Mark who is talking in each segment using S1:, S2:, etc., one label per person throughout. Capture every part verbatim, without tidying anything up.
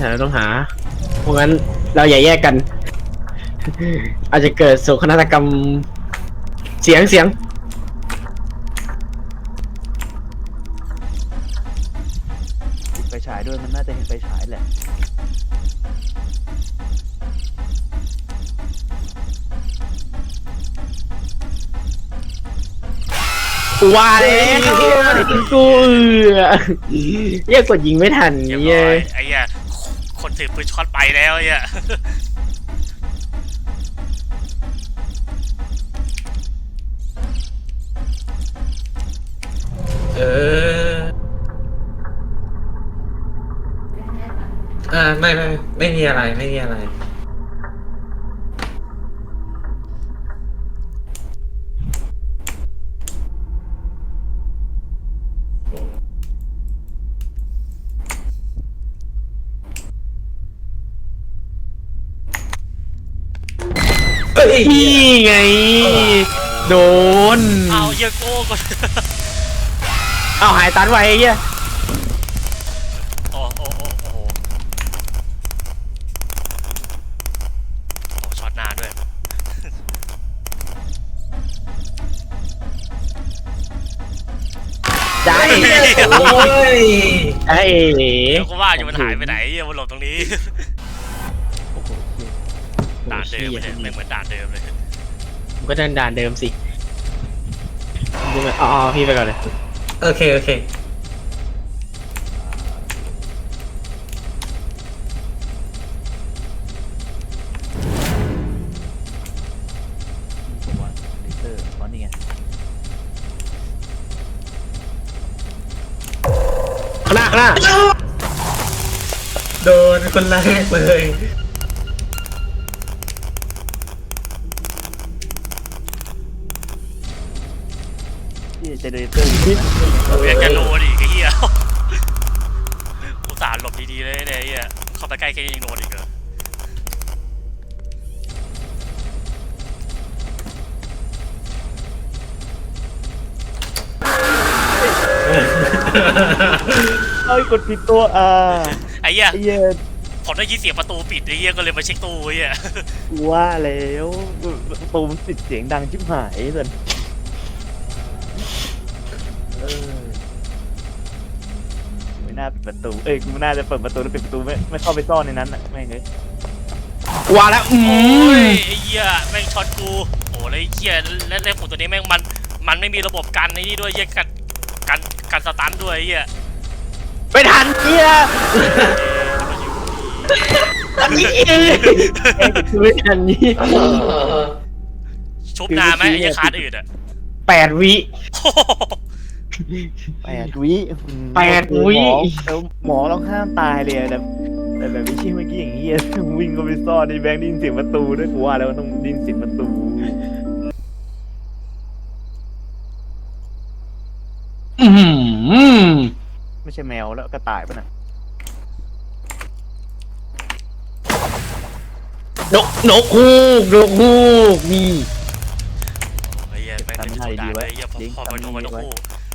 S1: เราต้องหาเพราะงั้นเราอย่าแยกกัน อาจจะเกิดโศกนาฏกรรมเสียงเสียง
S2: ติดไฟฉายด้วยมันน่าจะเห็นไฟฉายแหละ
S1: ว่าแล้วกูเอือเรียกกดยิงไม่ทัน
S3: เรียบ
S1: เย้
S3: ร้อยไอ้เหี้ยคนถือปืนช็อตไปแล้วไอ้เหี้ย
S4: เอออ่าไม่ไม่ไม่มีอะไรไม่มีอะไรเฮ้ย
S1: นี่ไงโดน
S3: เอาเหี้ยโก้ก็
S1: เอาหายตันไว้ไอ้เหี้ย
S3: โอ้โอ้โอ้โอ้โหโอ้ช็อตนานด้วย
S1: ใจ
S4: โอ้ย
S1: ไอ้
S3: เดี๋ยวก็ว่าอยู่มันหายไปไหนเหี้ยมันหลบตรงนี้
S2: โอ้โหเหี้ย
S3: ด่านเดิมเลยไม่เหมือนด่านเดิมเลย
S1: มันก็เดินด่านเดิมสิดูไหมอ๋อพี่ไปก่อนเลย
S4: โอเคโอเค
S2: ผมว่าเลเซอร์เพราะนี่ไง
S1: ข้างหน้าข้างหน้า
S4: โดนคนแรกเลย
S2: ที่เจเนเรเตอร์อยู่นะ
S3: กูยังจะโดนอีกไอ้เหี้ยอุตส่าห์หลบดีๆเลยเนี่ยไอ้เหี้ยเข้าไปใกล้แค่นี้ยังโดนอีกเหรอ
S2: เอ้ยกดผิดตัวอ่า
S3: ไอ้เหี้ย
S2: ไอ้เหี้ย
S3: ผมได้ยินเสียงประตูปิดไอ้เหี้ยก็เลยมาเช็คตู้ไอ้เหี้ย
S2: กูว่าแล้วประตูมันติดเสียงดังชิบหายเลยเออไม่น่าปิดประตูเอ้ยกูไม่น่าจะเปิดประตูแล้วปิดประตูไม่ไม่เข้าไปซ่อนในนั้นอ่ะไม่งเลย
S1: ว่าแล้วอื
S3: โอ้
S1: ม
S3: ยไอ้เหี้ยแม่งช็อตกูโอ้แล้วไอ้เหี้ยและและผมตัวนี้แม่งมันมันไม่มีระบบกันไอ้นี่ด้วยเหี้ยกันกันกันสตันด้วยไอ้เหี้ย
S1: ไม่ทันเหี้ยอันนี้เองไม่ทันนี่
S3: ชุบนานไหมไอ้เหี้ยคาร์ดอื่นอ่ะ
S1: แปดวิ
S2: แปดวิอืม
S1: แปดวิ
S2: หมอแล้วหมอต้องห้ามตายเลยอะแต่แต่แบบไม่ใช่เมื่อกี้อย่างเงี้ยวิ่งก็ไปซ่อนในแบงค์ได้ยินเสียงประตูด้วยกูว่าแล้วมันต้องได้ยินเสียงประตู
S1: อืม
S2: ไม่ใช่แมวแล้วกระต่ายป่ะน่ะ
S1: นกนกฮูกนกฮูกนี่
S3: ไอ้เหี้ยแม่งเป็นชุดด่าไอ้เหี้ยพอพอไปโดนมันต้องคู่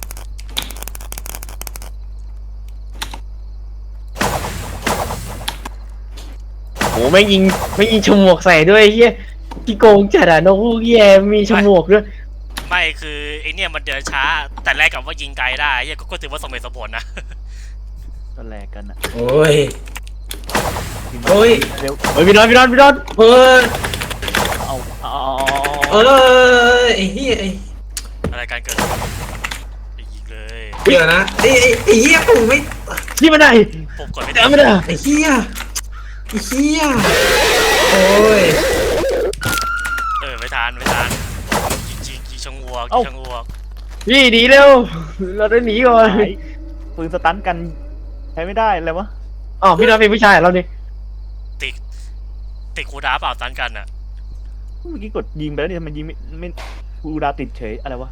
S1: โหไม่งยิงไม่งยิงฉมวกใส่ด้วยเฮียพี่โกงจัดอะนกฮูกเฮียมีฉมวกด้วย
S3: ไม่คือไอ้เนี่ยมันเดินช้าแต่แรกกับว่ายิงไกลได้ไอ้เหี้ยก็ก็ถือว่าสมเหตุสมผลนะ
S2: ก็แลกกันอ่ะ
S4: โอ้ย โอ้ย
S2: เร็ว
S1: เฮ้ยพี่นอนพี่นอนพี่นอน
S4: เฮ้ย
S2: เอาเอา
S4: เออไอ้เหี้ยไอ้
S3: อะไรการเกิดไปยิงเลย
S4: เดี๋ยวนะไอ้ไอ้ไอ้เหี้ยผมไม่
S1: นี่มันได้
S3: ผมกดไม่
S1: แต่
S3: ได้
S1: ไม่ได้
S4: ไอ้เหี้ยไอ้เหี้ยโอ้ย
S3: เออไม่ทันไม่ทันยิงยิงยิงชงวัวยิงชงวัว
S1: พี่หนีเร็วเราต้องหนีก่อน
S2: หายปืนสตันกันใช้ไม่ได้เลยวะ
S1: อ๋อพี่นอนเป็นผู้ชายเหรอเราเนี่ย
S3: ติดติดคูดาเปล่าตันกันอ่ะ
S2: เมื่อกี้กดยิงไปแล้วนี่ทำไมยิงไม่ไม่กูดาวติดเฉยอะไรวะ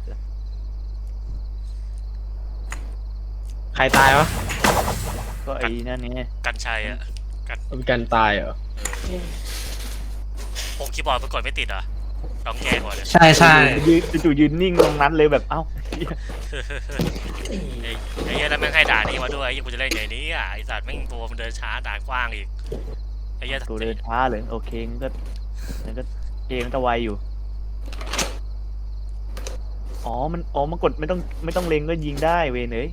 S1: ใครตายวะ
S2: ก็ไอ้นั่นไง
S3: กันชัยอ่ะกัน
S1: เป็นการตายเหรอ
S3: ผมคีย์บอร์ดมันกดไม่ติดอ่ะต้องแก้ก่อนเลย
S5: ใช่ใช่
S2: ยืนจู่ๆยืนนิ่งตรงนั้นเลยแบบเอ้าเหี้ย
S3: ไอ้ไอ้เหี้ยแล้วแม่งให้ด่านนี้มาด้วยไอ้เหี้ยกูจะเล่นไงนี้อ่ะไอ้สัตว์แม่งตัวมันเดินช้าด่านกว้างอีกไอ้เหี้ย
S2: ตัวเดินช้าเลยโอเคงั้นก็งั้นก็เกมมันจะไวอยู่อ๋อมันอ๋อมันกดไม่ต้องไม่ต้องเล็งก็ยิงได้เวยเนย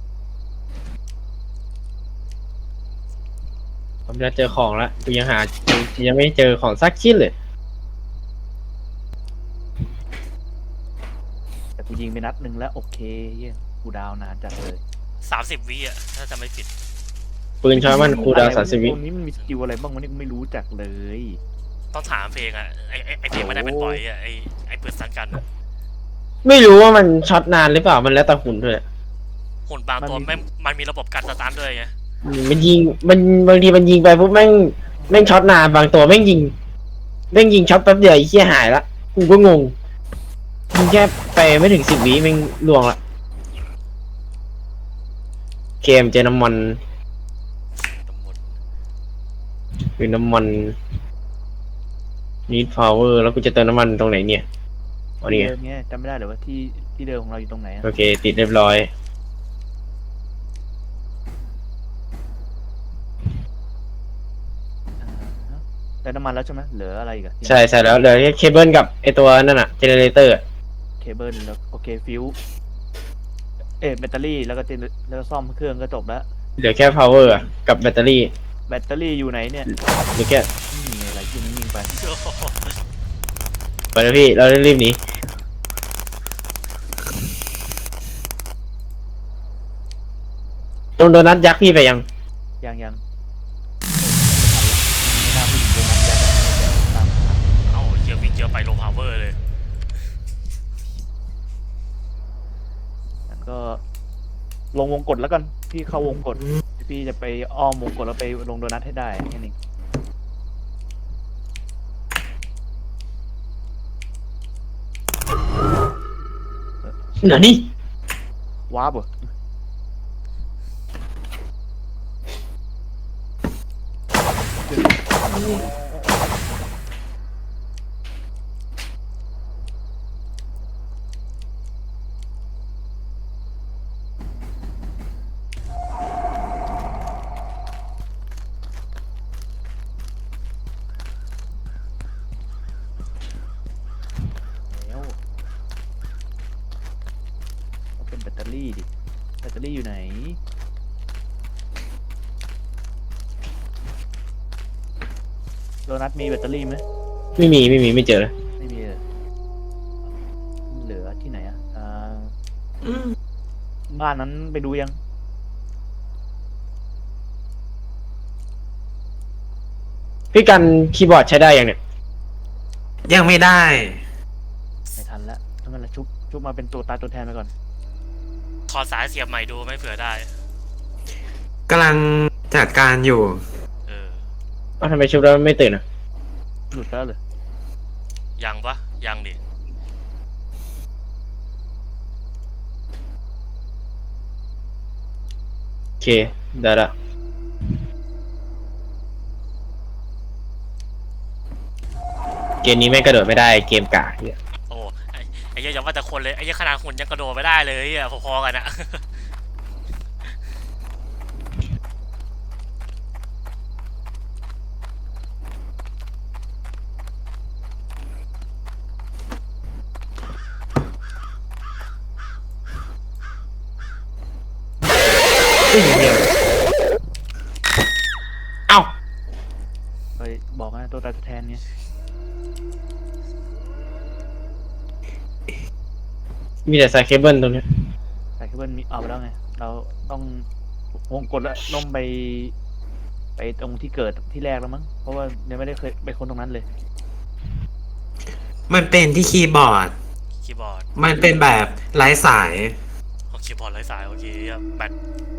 S1: ผมจะเจอของแล้วกูยังหายังไม่เจอของสักชิ้นเลย
S2: แต่กูยิงไปนัดหนึ่งแล้วโอเคเยี่ยกูดาวนานจัดเลย
S3: สามสิบวิอ่ะถ้าจะไม่ผิด
S1: ปืนช้อยมันคูลดาวน์สามสิบวิ
S2: ตรงนี้มันมีสกิลอะไรบ้างวะเนี่ยกูไม่รู้จักเลย
S3: ต้องถามเพลงอ่ะไอ้ไอ้ไอ้เพลงไม่ได้เป็นปล่อยอ่ะไอ้ไอ้ปืนสังกันอะ
S1: ไม่รู้ว่ามันช็อตนานหรือเปล่ามันแล้วแต่หุ่นด้วย
S3: หุ่นบางตัวแม่งมันมีระบบการสตาร์ทด้วยไง
S1: มันยิงมันบางทีมันยิงไปปุ๊บแม่งแม่งช็อตนานบางตัวแม่งยิงแม่งยิงช็อตแป๊บเดียวไอ้เหี้ยหายละกูก็งงยิงแค่ไปไม่ถึงสิบวิแม่งล่วงละเกมเจอน้ำมัน
S3: ทั้งหมด
S1: คือน้ำมัน need power แล้วกูจะเติมน้ำมันตรงไหนเนี่ยอ๋อนี่ไง
S2: เดิมเนี่ยจำไม่ได้เลยว่าที่ที่เดิมของเราอยู่ตรงไหนอะ
S1: โอเค ติดเรียบร้อย
S2: อ่าได้น้ำมันแล้วใช่ไหมเหลืออะไรอีกอะ
S1: ใช่ใช่แล้วเหลือแค่เคเบิลกับไอตัวนั่นอะเจเนเรเตอร์
S2: เคเบิลแล้วโอเคฟิวเอ๊ะแบตเตอรี่แล้วก็เจนแล้วก็ซ่อมเครื่องก็จบแล้ว
S1: เหลือแค่ power อะกับแบตเตอรี่
S2: แบตเตอรี่อยู่ไหนเนี่ย
S1: เหลือแค่
S2: นี่ไงอะไรที่นิ่งๆไป
S3: โอ้โห
S1: ไปแล้วพี่เรารีบหนีตรงโดนัทยักษ์พี่ไปยัง
S2: ยังยังไม่น่าพูดถึงตรงนั้นแล้วตาม
S3: เอ้าเหี้ยวิ่งเยอะไปโลพาวเวอร์เลย
S2: งั้นก็ลงวงกดแล้วกันพี่เข้าวงกดพี่จะไปอ้อมวงกดแล้วไปลงโดนัทให้ได้แค่นี้
S1: เหนือนี่
S2: วาร์ปเหรอแล้วเอาเป็นแบตเตอรี่ดิแบตเตอรี่อยู่ไหนโดนัทมีแบตเตอรี่ไหม
S1: ไม่มีไม่มีไม่เจอ
S2: ไม่มีเลยเหลือที่ไหนอ่ะอ่า
S4: อืม
S2: บ้านนั้นไปดูยัง
S1: พี่กันคีย์บอร์ดใช้ได้ยังเนี่ย
S5: ยังไม่ได้
S2: ไม่ทันแล้วถ้ามันละชุบชุบมาเป็นตัวตายตัวแทนไปก่อน
S3: ถอดสายเสียบใหม่ดูไม่เผื่อได้
S5: กำลังจัดการอยู่
S3: เออ
S1: เอ้าทำไมชุบแล้วไม่ตื่นอ่ะ
S2: หลุดแล้วเลย
S3: ยังปะยังดิ
S1: โอเคได้ละเกมนี้แม่งกระโดดไม่ได้เกมกากเนี่ย
S3: โอ้ไอ้ไอ้เหี้ยอย่าว่าแต่คนเลยไอ้เหี้ยขนาดหุ่นยังกระโดดไม่ได้เลยอ่ะพอๆกันอะ
S1: เอ้า
S2: ไปบอกนะตัวตายตัวแทนเนี่ย
S1: มีแต่สายเคเบิลตรงเนี้ย
S2: สายเคเบิลมีเอาไปแล้วไง เราต้องวงกดแล้วลงไป ไปตรงที่เกิดที่แรกแล้วมั้ง เพราะว่ายังไม่ได้เคยไปคนตรงนั้นเลย
S5: มันเป็นที่คีย์บอร์ด
S3: คีย์บอร์ด
S5: มันเป็นแบบไร้สาย
S3: เอาคีย์บอร์ดไร้สายโอเคอะแบต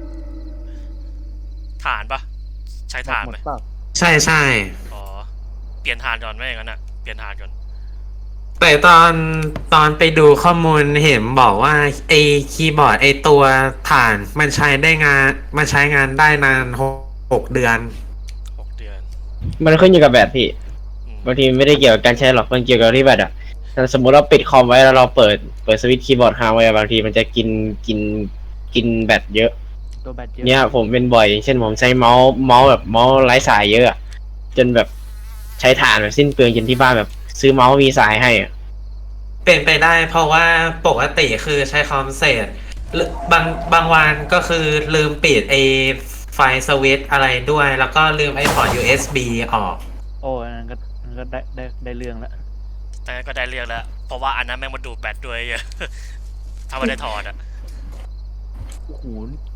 S3: ฐานปะใช้ฐาน
S2: หม
S3: ไหม
S2: ดเปล่า
S5: ใช่ใช่
S3: อ๋อเปลี่ยนฐานก่อนไหมอย่างนั้นอะเปลี่ยนฐานก่อน
S5: แต่ตอนตอนไปดูข้อมูลเห็นบอกว่าไอคีย์บอร์ดไอตัวฐานมันใช้ได้งานมันใช้งานได้นานหกหกเดือน
S3: หกเดือน
S1: มันขึ้นอยู่กับแบตพี่
S3: อืม
S1: บางทีไม่ได้เกี่ยวกับการใช้หรอกมันเกี่ยวกับที่แบตอ่ะถ้าสมมติเราปิดคอมไว้แล้วเราเปิดเปิดสวิตช์คีย์บอร์ดค้างไว้บางทีมันจะกินกินกินแบตเยอะ
S2: ตัวแบตเยอะ
S1: เนี่ยผมเป็นบ่อย เช่นผมใช้เมาส์เมาส์แบบเมาส์ไร้สายเยอะอะจนแบบใช้ถ่านแบบสิ้นเปลืองจนที่บ้านแบบซื้อเมาส์มีสายให้อะ
S5: เป็นไปได้เพราะว่าปกติคือใช้คอมเสร็จหรือบางบางวันก็คือลืมปิดไอไฟสวิตช์อะไรด้วย แล้วก็ลืมไอพอร์ต ยู เอส บี ออก
S2: โอ้อันนั้นก็อันนั้นก็ได้ได้ได้เรื่องแล้ว
S3: แต่ก็ได้เรียกแล้วเพราะว่าอันนั้นแม่งมาดูดแบตด้วย ถ้าไม่ได้ถอดอะ
S2: โอ้โห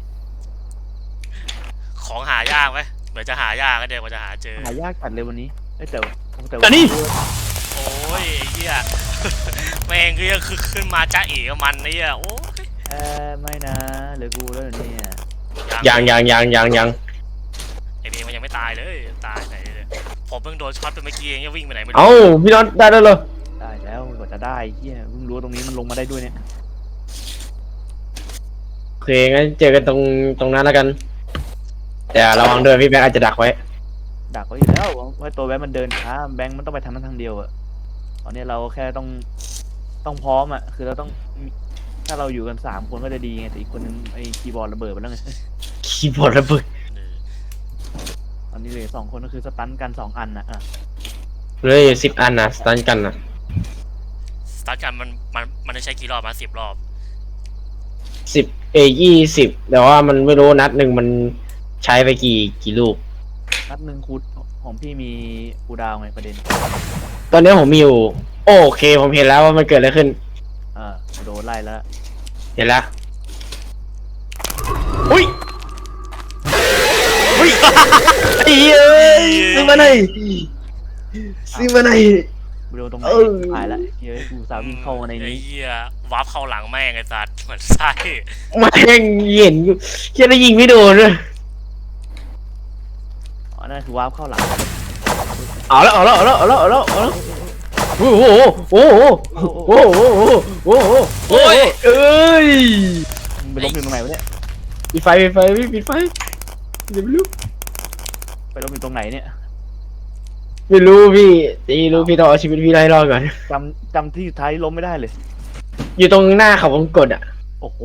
S3: ของหายากไหมเหมือนจะหายากก็เดี๋ยวกว่าจะหาเจอ
S2: หายากจัดเลยวันนี้เอ้ยแต่แต่
S1: แต่นี่
S3: โอ้ยไอ้เหี้ย แม่งก็ยังคือขึ้นมาจ้าเอ๋กับมันเนี่ยโอ้ย
S2: เออไม่นะเหลือกูแล้วเหรอเนี่ย
S1: ยังยังยังยังยัง
S3: ไอ้เมย์มันยังไม่ตายเลยตายไหนเลยผมเพิ่งโดนช็อตไปเมื่อกี้เองยังวิ่งไปไหนไม่รู้
S1: เอ้าพี่น็อตได้แล้วเหรอ
S2: ได้แล้วกว่าจะได้เฮียเพิ่งรู้ว่าตรงนี้มันลงมาได้ด้วยเนี่ย
S1: โอเคงั้นเจอกันตรงตรงนั้นแล้วกัน แต่ระวังด้วยพี่แบงค์อาจจะดักไว้
S2: ดักไว้อยู่แล้วว่าตัวแบงค์มันเดินช้าแบงค์มันต้องไปทางนั้นทางเดียวอะตอนนี้เราแค่ต้องต้องพร้อมอะคือเราต้องถ้าเราอยู่กันสามคนก็จะดีไงแต่อีกคนนึงไอ้คีย์บอร์ดระเบิดไปแล้วไง
S1: คีย์บอร์ดระเบิด
S2: ตอนนี้เหลือสองคนก็คือสตันกันสองอันนะอ่ะ
S1: เลยสิบอันนะสตันกันนะ
S3: สตาร์ทกันมันมันมันได้ใช้กี่รอบมาสิบรอบ
S1: สิบเอยี่สิบแต่ว่ามันไม่รู้นัดหนึ่งมันใช้ไปกี่กี่ลูก
S2: นัดหนึ่งคูดของพี่มีคูดาวไงประเด็น
S1: ตอนนี้ผมมีอยู่ โอเคผมเห็นแล้วว่ามันเกิดอะไรขึ้น
S2: อ่าโดนไล่แล้ว
S1: เห็นแล้วอุ้ยอุ้ยไอ้เอ้ยซื้อมาไหนซื้อมาไหน
S2: โดนตรงไหน
S1: เออ
S2: หายละเฮ้ยกูสาววิ่งเข้ามาใน
S3: ไอ้
S2: นี้
S3: เหี้ยวาร์ปเข้าหลังแม่งไอ้สัตว์เหมือนไส้
S1: มาแย่งเห็นอยู่แค่ได้ยิงไม่โดนเลย
S2: อ๋อนั่นคือวาร์ปเข้าหลัง
S1: เอาแล้วเอาแล้วเอาแล้วเอาแล้วเอาแล้วเอาแล้วโอ้โหโอ้โหโอ้โหโอ้โหโอ้โหโอ้ยเอ้ย
S2: มึงไปล้มอยู่ตรงไหนวะเนี่ย
S1: ปิดไฟปิดไฟปิดไฟเดี๋ยวไม่รู้
S2: ไปล้มอยู่ตรงไหนเนี่ย
S1: ไม่รู้พี่ตีรู้พี่ต้องเอาชีวิตพี่ไล่รอดก่อน
S2: จำจำที่สุดท้ายล้มไม่ได้เลย
S1: อยู่ตรงหน้าเขาวงกดอ่ะ
S2: โอ้โห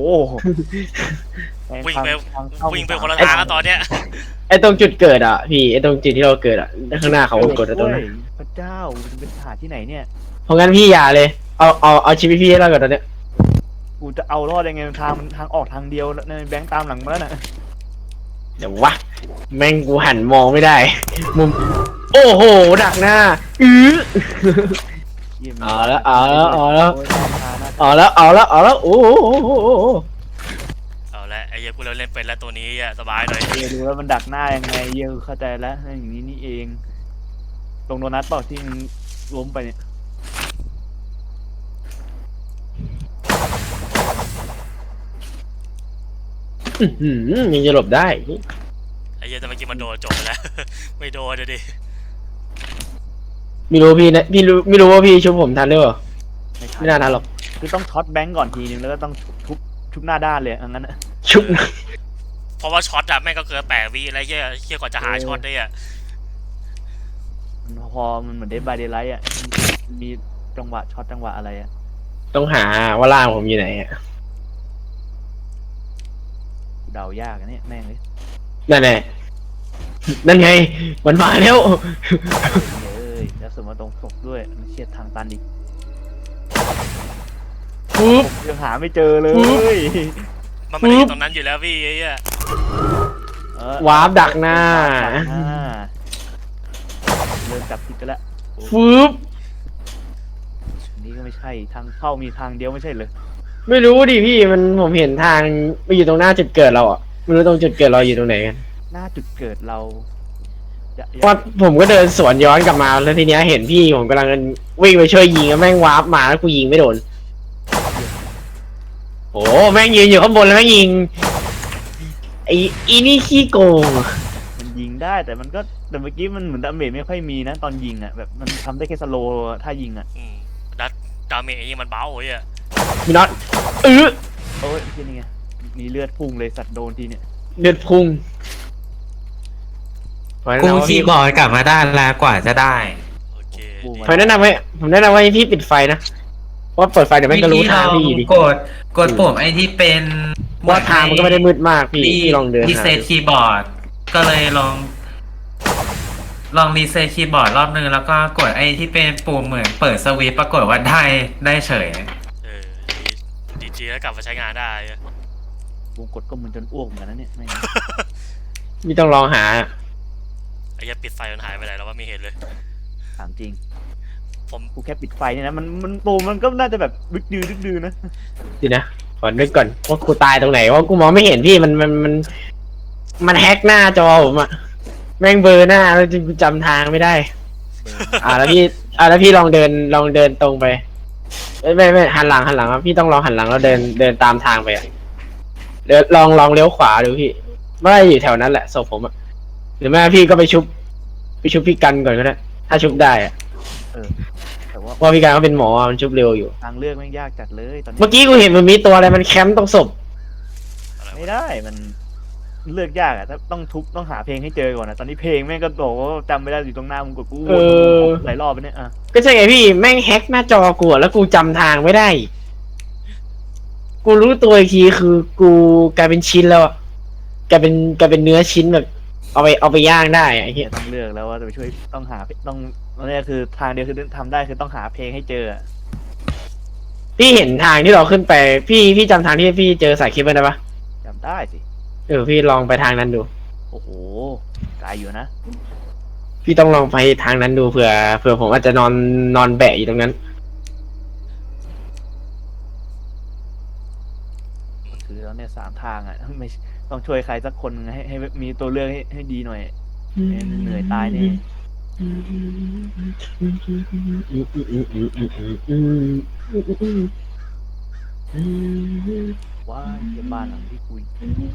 S3: วิ่งไป
S2: ทางเข้า
S3: วิ่งไปคนละทางแล้วตอนเนี้ย
S1: ไอ้ตรงจุดเกิดอ่ะพี่ไอ้ตรงจุดที่เราเกิดอ่ะข้างหน้าเขาวงกดอ่ะตรงนั้น
S2: โอ้ยพระเจ้ามันเป็นหาที่ไหนเนี่ย
S1: เพราะงั้นพี่อย่าเลยเอาเอาเอาชีวิตพี่ให้รอดก่อนตอนเนี้ย
S2: กูจะเอารอดยังไงทางมันทางออกทางเดียวแล้วในแบงค์ตามหลังมาแล้วน่ะ
S1: เดี๋ยววะแม่งกูหันมองไม่ได้มุมโอ้โหดักหน้าอื้อ
S2: เยี่ยม
S1: เอาละเอาละเอาละ
S2: โยหน้าตาหน้าตา
S1: เอาแล้วเอาแล้วเอาแล้วโอ้โหโอ้โหโอ้โห
S3: เอาละไอ้เหี้ยกูเล่นเล่นเป็นแล้วตัวนี้อ่ะสบายหน่อย
S2: เยี่ยดูแล้วมันดักหน้ายังไงเยี่ยเข้าใจแล้วอย่างนี้นี่เองตรงโดนัทเปล่าที่มันล้มไปเนี่ย
S1: อื้อหือยังจะหลบได้
S3: ไอ้เหี้ยแต่เมื่อกี้มันโดนจบไปแล้ว ไม่โดนเลยดิ
S1: ไม่รู้พี่นะพี่รู้ไม่รู้ว่าพี่ชุบผมทันหรือเปล่า
S2: ไม่ทั
S1: ไม่น่าทันหรอก
S2: คือต้องช็อตแบงก์ก่อนทีนึงแล้วก็ต้องทุบทุบหน้าด้านเลยอันนั้นน่ะ
S1: ชุบ
S3: เพราะว่าช็อตอะแม่งก็เกินแปดวิอะไรเหี้ยเหี้ยกว่าจะหาช็อตได้อะ
S2: มันพอมันเหมือนเดบายเดไลท์อ่ะมันมีจังหวะช็อตจังหวะอะไรอ่ะ
S1: ต้องหาว่าล่างผมอยู่ไหนอะ
S2: เดายากอันนี้แม่งเลย
S1: นั่นไงนั่นไงมันมาแล้ว
S2: เอ้ยแล้วสมมติตรงศพด้วยมันเชียดทางตันอีก
S1: ปุ๊บ
S2: ยังหาไม่เจอเลย
S3: มันไม่ได้อยู่ตรงนั้นอยู่แล้วพี่ไอ้เหี้ย
S2: เออ
S1: วาร์ปดักหน้า
S2: อ่าเริ่มจับผิดกันแล้ว
S1: ฟึบ
S2: อันนี้ก็ไม่ใช่ทางเข้ามีทางเดียวไม่ใช่เลย
S1: ไม่รู้ดิพี่มันผมเห็นทางไปอยู่ตรงหน้าจุดเกิดเราอ่ะไม่รู้ตรงจุดเกิดเราอยู่ตรงไหนกัน
S2: หน้าจุดเกิดเราอย่าอย่า
S1: เพราะผมก็เดินสวนย้อนกลับมาแล้วทีเนี้ยเห็นพี่ผมกำลังวิ่งไปช่วยยิงแล้วแม่งวาร์ปมาแล้วกูยิงไม่โดนโอ้แม่งยืนอยู่ข้างบนแล้วแม่งยิงไอ้อีนี่ขี้โกง
S2: มันยิงได้แต่มันก็แต่เมื่อกี้มันเหมือนดาเมจไม่ค่อยมีนะตอนยิงอ่ะแบบมันทำได้แค่สโลว์ถ้ายิงอ่ะ
S3: อืมดัดดาเมจไอ้เหี้ยมันเบาไอ้เหี้ย
S1: พี่น็อตเออ
S2: โอ้ยที่นี่ไงมีเลือดพุ่งเลยสัตว์โดนทีเนี่ย
S1: เลือดพุ่ง
S5: กูคีย์บอร์ดกลับมาได้แล้วกว่าจะได้
S3: โอเค
S2: กูมา
S1: ผมแนะนำให้ผมแนะนำว่าให้พี่ปิดไฟนะเพราะว่าเปิดไฟเดี๋ยวแม่งก็รู้ทางพี่อยู่ดี
S5: กดกดปุ่มไอ้ที่เป็น
S1: ว่าทางมันก็ไม่ได้มืดมากพี่พี่ลองเดิน
S5: รี
S1: หา
S5: เซ็ตคีย์บอร์ดก็เลยลอง ลองรีเซ็ตคีย์บอร์ดรอบนึงแล้วก็กดไอ้ที่เป็นปุ่มเหมือนเปิดสวิตช์ปรากฏว่าได้ได้เฉย
S3: เออดีดีแล้วกลับมาใช้งานได้อะ
S2: กูกดก็มึนจนอ้วกเหมือนกันนะเนี่ยไม่ง
S1: พี่ต้องลองหา
S3: ไอ้เหี้ยปิดไฟมันหายไปไหนแล้วว่าไม่เห็นเลย
S2: ถามจริง
S3: ผม
S2: กูแค่ปิดไฟเนี่ยนะมันมันโปรมันก็น่าจะแบบดึกดื้อดึกดื้อนะ
S1: ดีนะขอนึกก่อนว่ากูตายตรงไหนว่ากูมองไม่เห็นพี่มันมันมันมันแฮกหน้าจอผมอะแม่งเบลอร์หน้าแล้วจริงกูจำทางไม่ได้ อ่าแล้วพี่อ่าแล้วพี่ลองเดินลองเดินตรงไปไม่ไม่ไม่หันหลังหันหลังครับพี่ต้องลองหันหลังแล้วเดินเดินตามทางไปอะเดี๋ยวลองลองเลี้ยวขวาดูพี่ไม่าอยู่แถวนั้นแหละศพผมอะหรือไม่พี่ก็ไปชุบไปชุบพี่กันก่อนก็ได้ถ้าชุบได้อะ
S2: แต่ว่า
S1: เพราะพี่กันเขาเป็นหมอมันชุบเร็วอยู่
S2: ทางเลือกแม่งยากจัดเลยตอนนี้
S1: เมื่อกี้กูเห็นมันมีตัวอะไรมันแคมป์ตรงศพ
S2: ไม่ได้มันเลือกยากอะถ้าต้องทุบต้องหาเพลงให้เจอก่อนนะตอนนี้เพลงแม่งก็บอกว่าจำไม่ได้อยู่ตรงหน้ามึงกดกู
S1: เออ
S2: หลายรอบไปเนี่ยอ่ะ
S1: ก็ใช่ไงพี่แม่งแฮกหน้าจอกูอะแล้วกูจำทางไม่ได้ กูรู้ตัวอีกทีคือกูกลายเป็นชิ้นแล้วอะกลายเป็นกลายเป็นเนื้อชิ้นแบบ เอาไปเอาไปย่างได้อะไอ้เหี้ย
S2: ต้องเลือกแล้วว่าจะไปช่วยต้องหาต้องนั่นแหละคือทางเดียวคือทำได้คือต้องหาเพลงให้เจออะ
S1: พี่เห็นทางที่เราขึ้นไป พี่พี่จำทางที่พี่เจอสายเคเบิลได้ปะ
S2: จำได้สิ
S1: เออพี่ลองไปทางนั้นดู
S2: โอ้โหไกลอยู่นะ
S1: พี่ต้องลองไปทางนั้นดูเผื่อเผื่อผมอาจจะนอนนอนแบะอยู่ตรงนั้น
S2: คือแล้วเนี่ยสามทางอ่ะไม่ต้องช่วยใครสักคนให้ให้มีตัวเลือกให้ให้ดีหน่อยไม่งั้นเหนื่อยตายแน่ว่าเยี่ยบ้านหลังที่คุย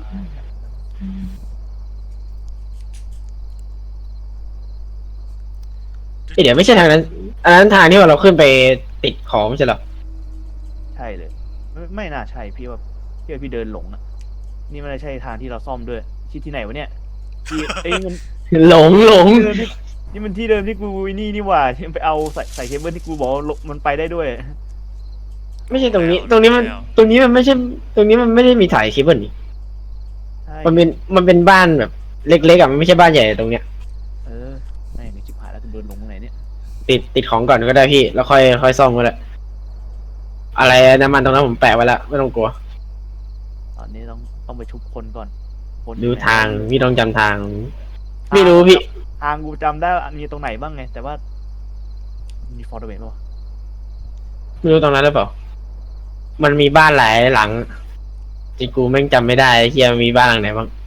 S1: เอ้ยเดี๋ยวไม่ใช่ทางนั้น อันนั้นทางที่ว่าเราขึ้นไปติดของไม่ใช่เหรอ
S2: ใช่เลยไม่ไม่น่าใช่พี่ว่าพี่ว่าพี่เดินหลงอ่ะนี่ไม่ได้ใช่ทางที่เราซ่อมด้วยที่ที่ไหนวะเนี่ยที่เอ้ยมัน
S1: หลงหลง
S2: เดิมที่นี่มันที่เดิมที่กูนี่นี่หว่าที่ไปเอาใส่ใส่เคเบิลที่กูบอกว่ามันไปได้ด้วย
S1: ไม่ใช่ตรงนี้ ตรงนี้มัน ตรงนี้มันไม่ใช่ ตรงนี้มันไม่ได้มีสายเคเบิลนี่
S2: ใช่
S1: มันเป็น มันเป็นบ้านแบบเล็กๆอ่ะ มันไม่ใช่บ้านใหญ่ตรงเนี้ย
S2: เออไม่ไม่ชิบหายแล้วกูเดินหลงตรงไหนเนี่ย
S1: ติดติดของก่อนก็ได้พี่ แล้วค่อยค่อยซ่อมก็ได้อะไรน้ำมันตรงนั้นผมแปะไว้แล้วไม่ต้องกลัว
S2: ตอนนี้ต้องต้องไปชุบคนก่อนคน
S1: ดู
S2: อยู่ไหน
S1: ทางพี่ต้องจำทาง ไม่รู้พี่
S2: ทางกูจำได้ว่ามีตรงไหนบ้างไง แต่ว่ามีฟอร์ดเวทป่ะวะ
S1: ไม่รู้ตรงนั้นหรือเปล่า มันมีบ้านหลายหลังจริงกูแม่งจำไม่ได้ไอ้เฮียมีบ้านหลังไหนบ้าง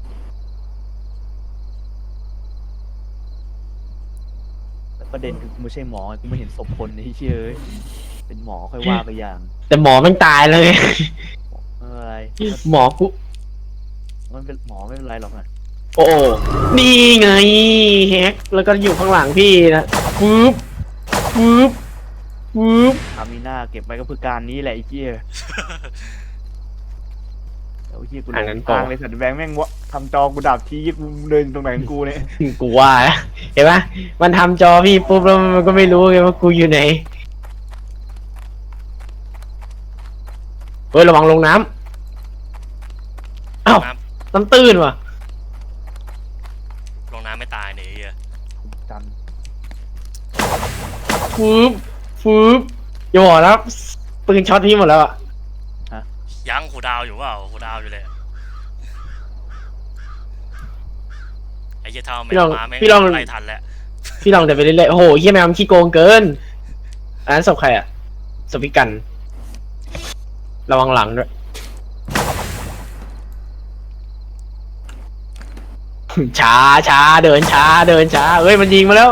S2: แต่ประเด็นคือกูไม่ใช่หมอกูไม่เห็นศพคนไอ้เชี่ยเอ้ยเป็นหมอค่อยว่าไปอย่าง
S1: แต่หมอมันตายแล้วไง
S2: เอออะไร
S1: หมอกู
S2: มันเป็นหมอไม่เป็นไรหรอกนะ
S1: โอ้นี่ไงแฮกแล้วก็อยู่ข้างหลังพี่นะปึ๊บปึ๊บปึ๊บ
S2: อามีหน้าเก็บไว้ก็เพื่อการนี้แหละไอ้เชี่ยแล้วไอ้เชี่ยกูหล
S1: อัน
S2: ง
S1: นั้นปอ
S2: ทางเลยสัตว์แบงค์แม่งวะทำจอกูดับทีกูเดินตรงไหนของกูเนี่ย
S1: กูว่านะเห็นปะมันทำจอพี่ปุ๊บแล้วมันก็ไม่รู้ไงว่ากูอยู่ไหนเฮ้ยระวังลงน้ำเอ้า
S3: น้
S1: น้ำตื้นว่ะ
S3: ำลงน้ำไม่ตายเนี่ยไอ้เหี้ย
S2: จ
S1: ฟืบฟืบอย่าบอกนะปืนช็อตพี่หมดแล้วอะ
S3: ยังหูดาวอยู่เปล่าหูดาวอยู่เลยไอ้เหี้ยเท่าแม
S1: พี่ล
S3: ว
S1: อง
S3: มาแม่ง
S1: พี่ลอง
S3: ไล่ทันแล้ว
S1: พี่ลองเดินไปเรื่อยๆโอ้โหเฮียแมวมันขี้โกงเกินอันนั้นศพใครอะศพพี่กัน ระวังหลังด้วย ช้าช้าเดินช้าเดินช้าเฮ้ยมันยิงมาแล้ว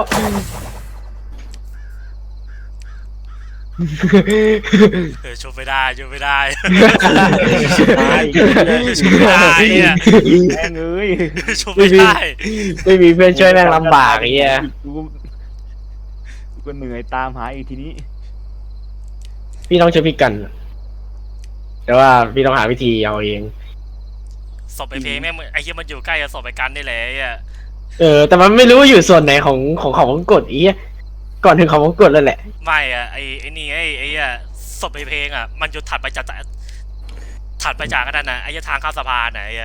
S3: เออชุบไม่ได้ชุบไม่ได้
S2: ำตาย
S3: ชุบไม่ได้เนี่ย
S2: แม่งเอ้ย
S3: ชุบไม่ได้
S1: ไม่มีเพื่อนช่วยแม่งลำบากไอ้เหี้ย
S2: กูกูก็เหนื่อยตามหาอีกทีนี้
S1: พี่ต้องช่วยพี่กัน แต่ว่าพี่ต้องหาวิธีเอาเอง
S3: ศพไอ้เพลงแม่งไอ้เหี้ยมันอยู่ใกล้กับศพไอ้กันนี่แหละไอ้เหี้ย
S1: เออ แต่มันไม่รู้อยู่ส่วนไหนของของของกดอีอะก่อนถึงเขาวงกดแล้วแหละ
S3: ไม่อะไอไอนี่ไอไอ้อะศพในเพลงอะมันจะถัดไปจากถัดไปจากกันนั่นนะไอ้ทางข้ามสะพานไหนอะ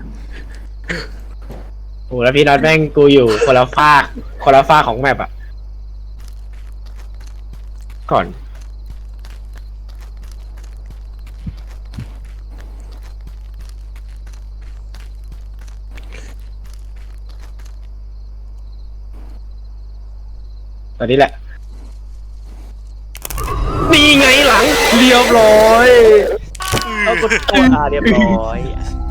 S1: โอ้แล้วพี่น็อตแม่งกูอยู่คนละฟากคนละฟากของแมปอะก่อน ตอนนี้แหละ นี่ไงหลัง เรียบร้อย
S2: เอากดตัวอ่าเรียบร้อย